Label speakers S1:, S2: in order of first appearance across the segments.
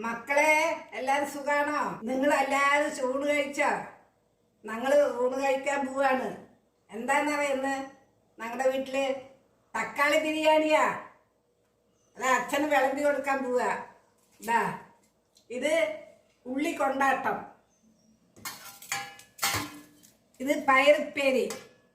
S1: മക്കളെ എല്ലാരും സുഖാണോ? നിങ്ങൾ എല്ലാരും ചൂട് കഴിച്ചോ? ഞങ്ങള് ഊണ് കഴിക്കാൻ പോവാണ്. എന്താന്നറിയുന്ന് ഞങ്ങളുടെ വീട്ടില് തക്കാളി ബിരിയാണിയാ. അത് അച്ഛന് വിളമ്പി കൊടുക്കാൻ പോവാ. ഇതാ ഇത് ഉള്ളി കൊണ്ടാട്ടം, ഇത് പയറുപ്പേരി,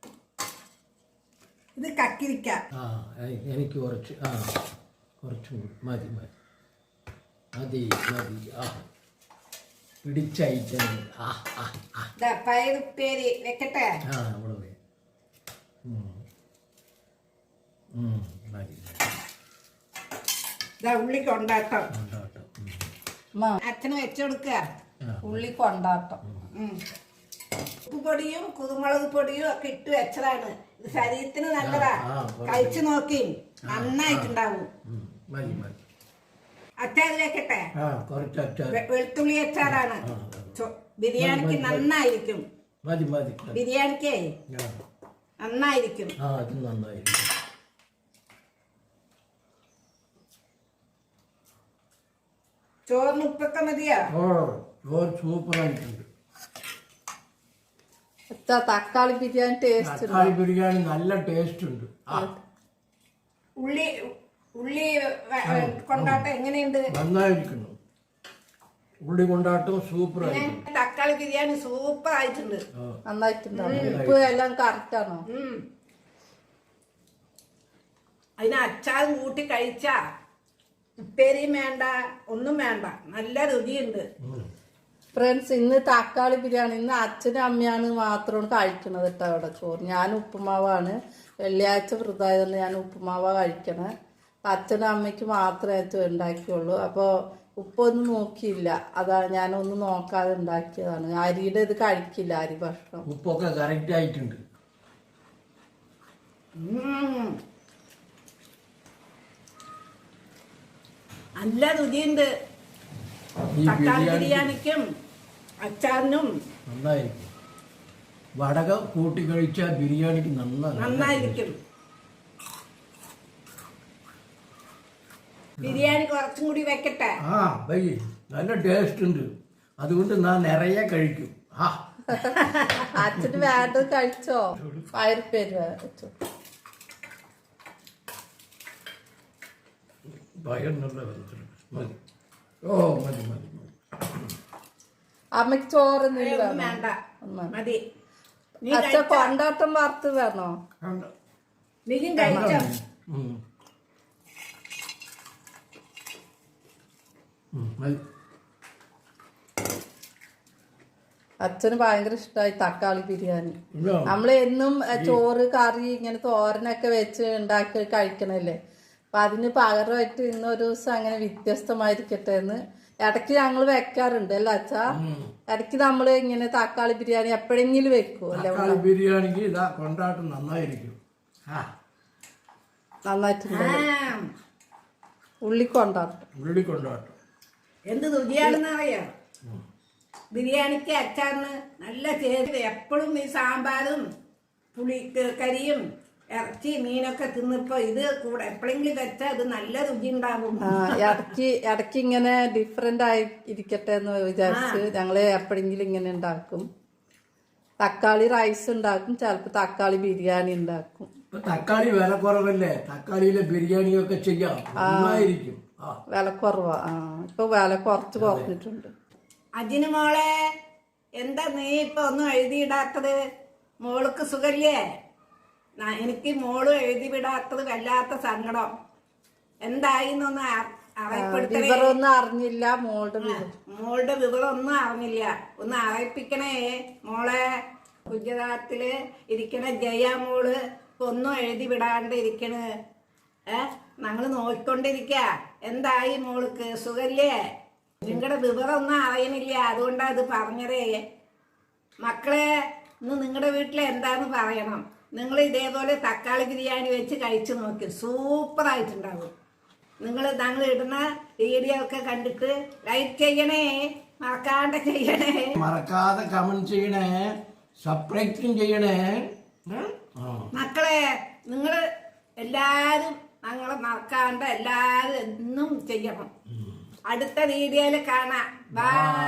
S1: ഇത് കക്കിരിക്ക.
S2: എനിക്ക് കുറച്ച് മതി മതി മതി മതി. പിടിച്ച ഐറ്റം.
S1: പയറുപ്പേരി വെക്കട്ടെ?
S2: അവിടെ മതി.
S1: ഉള്ളി കൊണ്ടാട്ടം
S2: കൊണ്ടാട്ടം.
S1: അച്ഛന് വെച്ചുകൊടുക്ക. ഉള്ളി കൊണ്ടാട്ടം ഉപ്പുപൊടിയും കുരുമുളക് പൊടിയും ഒക്കെ ഇട്ട് വെച്ചതാണ്. ഇത് ശരീരത്തിന് നല്ലതാ. കഴിച്ചു നോക്കി നന്നായിട്ടുണ്ടാവും. അച്ചാർ വെക്കട്ടെ? വെളുത്തുള്ളി അച്ചാറാണ്. ബിരിയാണിക്ക് നന്നായിരിക്കും. ബിരിയാണിക്ക് നന്നായിരിക്കും. ചോറിന് ഉപ്പൊക്കെ മതിയോ?
S2: സൂപ്പറായിട്ടുണ്ട്.
S3: തക്കാളി ബിരിയാണി ടേസ്റ്റ്.
S2: തക്കാളി ബിരിയാണി നല്ല ടേസ്റ്റ് ഉണ്ട്.
S1: ഉള്ളി കൊണ്ടാട്ടം എങ്ങനെയുണ്ട്?
S2: നന്നായിരിക്കുന്നു. ഉള്ളി കൊണ്ടാട്ടം സൂപ്പർ ആയിട്ടുണ്ട്.
S1: തക്കാളി ബിരിയാണി സൂപ്പർ ആയിട്ടുണ്ട്.
S3: നന്നായിട്ടുണ്ടാവും. ഉപ്പ് എല്ലാം കറക്റ്റ് ആണോ?
S1: അതിന് അച്ചാറും കൂട്ടി കഴിച്ചാ ഉപ്പേരിയും വേണ്ട, ഒന്നും വേണ്ട. നല്ല രുചിയുണ്ട്.
S3: ഫ്രണ്ട്സ്, ഇന്ന് തക്കാളി ബിരിയാണി ഇന്ന് അച്ഛനും അമ്മയാണ് മാത്രമാണ് കഴിക്കണത് കേട്ടോ. അവിടെ ചോറ് ഞാൻ ഉപ്പുമാവാണ്. വെള്ളിയാഴ്ച വൃതായതുകൊണ്ട് ഞാൻ ഉപ്പുമാവാ കഴിക്കണേ. അച്ഛനും അമ്മയ്ക്ക് മാത്രമേ ഉണ്ടാക്കിയുള്ളൂ. അപ്പോൾ ഉപ്പൊന്നും നോക്കിയില്ല. അതാണ് ഞാനൊന്നും നോക്കാതെ ഉണ്ടാക്കിയതാണ്. അരിയുടെ ഇത് കഴിക്കില്ല, അരി ഭക്ഷണം.
S2: ഉപ്പൊക്കെ കറക്റ്റ് ആയിട്ടുണ്ട്.
S1: നല്ല രുചിയുണ്ട്. തക്കാളി ബിരിയാണിക്കും അച്ചാറിനും
S2: നന്നായിരിക്കും. വടക കൂട്ടി കഴിച്ച ബിരിയാണിക്ക്
S1: നന്നായിരിക്കും. ബിരിയാണി കുറച്ചും കൂടി വെക്കട്ടെ?
S2: നല്ല ടേസ്റ്റ് ഉണ്ട്. അതുകൊണ്ട് ഞാൻ നിറയെ കഴിക്കും.
S3: അച്ഛന് വേണ്ടത് കഴിച്ചോ? പയറുപ്പേര് വെച്ചോ?
S2: മതി മതി.
S3: അമ്മക്ക് ചോറൊന്നും
S1: വേണ്ട, മതി.
S3: അച്ഛ കൊണ്ടാട്ടം വറുത്ത് വേണോ?
S1: നീയും കഴിച്ചോ?
S3: അച്ഛന് ഭയങ്കര ഇഷ്ടമായി തക്കാളി ബിരിയാണി. നമ്മള് എന്നും ചോറ് കറി ഇങ്ങനെ തോരനൊക്കെ വെച്ച് ഉണ്ടാക്കി കഴിക്കണല്ലേ. അപ്പൊ അതിന് പകരമായിട്ട് ഇന്നൊരു ദിവസം അങ്ങനെ വ്യത്യസ്തമായിരിക്കട്ടെ എന്ന് ഇടയ്ക്ക് ഞങ്ങൾ വെക്കാറുണ്ട് അല്ല അച്ഛാ? ഇടയ്ക്ക് നമ്മള് ഇങ്ങനെ തക്കാളി ബിരിയാണി എപ്പോഴെങ്കിലും വെക്കും അല്ലേ?
S2: ബിരിയാണിക്ക് കൊണ്ടാട്ടം നന്നായിരിക്കും.
S3: നന്നായിട്ടുണ്ട്.
S2: ഉള്ളിക്കൊണ്ടാട്ടം
S1: എന്ത് രുചിയാണെന്ന് അറിയാം. ബിരിയാണിക്ക് അച്ചാറിന് നല്ല ചേർത്ത്. എപ്പോഴും ഈ സാമ്പാറും കരിയും ഇറച്ചി മീനൊക്കെ തിന്നിപ്പോ ഇത് കൂടെ എപ്പോഴെങ്കിലും വെച്ചാൽ ഇത് നല്ല രുചി ഉണ്ടാകും.
S3: ഇടയ്ക്ക് ഇങ്ങനെ ഡിഫറെന്റ് ആയി ഇരിക്കട്ടെ എന്ന് വിചാരിച്ച് ഞങ്ങള് എപ്പോഴെങ്കിലും ഇങ്ങനെ ഉണ്ടാക്കും. തക്കാളി റൈസ് ഉണ്ടാക്കും, ചിലപ്പോ തക്കാളി ബിരിയാണി ഉണ്ടാക്കും.
S2: തക്കാളി വില കുറവല്ലേ? തക്കാളിയിലെ ബിരിയാണിയൊക്കെ ചെയ്യാം.
S3: വില കുറവാ. ഇപ്പൊ വില കുറച്ച് കുറഞ്ഞിട്ടുണ്ട്.
S1: അജിന് മോളെ, എന്താ നീ ഇപ്പൊ ഒന്നും എഴുതിയിടാത്തത്? മോൾക്ക് സുഖല്ലേ? എനിക്ക് മോള് എഴുതി വിടാത്തത് വല്ലാത്ത സങ്കടം. എന്തായിന്നൊന്ന്
S3: വിവരമൊന്നും അറിഞ്ഞില്ല.
S1: മോളുടെ വിവരം ഒന്നും അറിഞ്ഞില്ല. ഒന്ന് അറിയിപ്പിക്കണേ മോളെ. ഗുജറാത്തില് ഇരിക്കണ ജയ മോള് ഇപ്പൊ ഒന്നും എഴുതി വിടാണ്ട് ഇരിക്കണ്. ഞങ്ങള് നോക്കിക്കൊണ്ടിരിക്ക. എന്തായി മോൾക്ക്? സുഖല്ലേ? നിങ്ങളുടെ വിവരം ഒന്നും അറിയണില്ല, അതുകൊണ്ടാ ഇത് പറഞ്ഞതേ. മക്കളെ, ഇന്ന് നിങ്ങളുടെ വീട്ടിൽ എന്താന്ന് പറയണം. നിങ്ങൾ ഇതേപോലെ തക്കാളി ബിരിയാണി വെച്ച് കഴിച്ചു നോക്കി, സൂപ്പറായിട്ടുണ്ടാവും. ഞങ്ങൾ ഇടുന്ന വീഡിയോ ഒക്കെ കണ്ടിട്ട് ലൈക്ക് ചെയ്യണേ, മറക്കാതെ ചെയ്യണേ,
S2: മറക്കാതെ കമന്റ് ചെയ്യണേ, സബ്സ്ക്രൈബും ചെയ്യണേ.
S1: മക്കളെ, നിങ്ങൾ എല്ലാരും ഞങ്ങളെ മറക്കാണ്ട് എല്ലാരും എന്നും ചെയ്യണം. അടുത്ത വീഡിയോയിൽ കാണാം. ബൈ.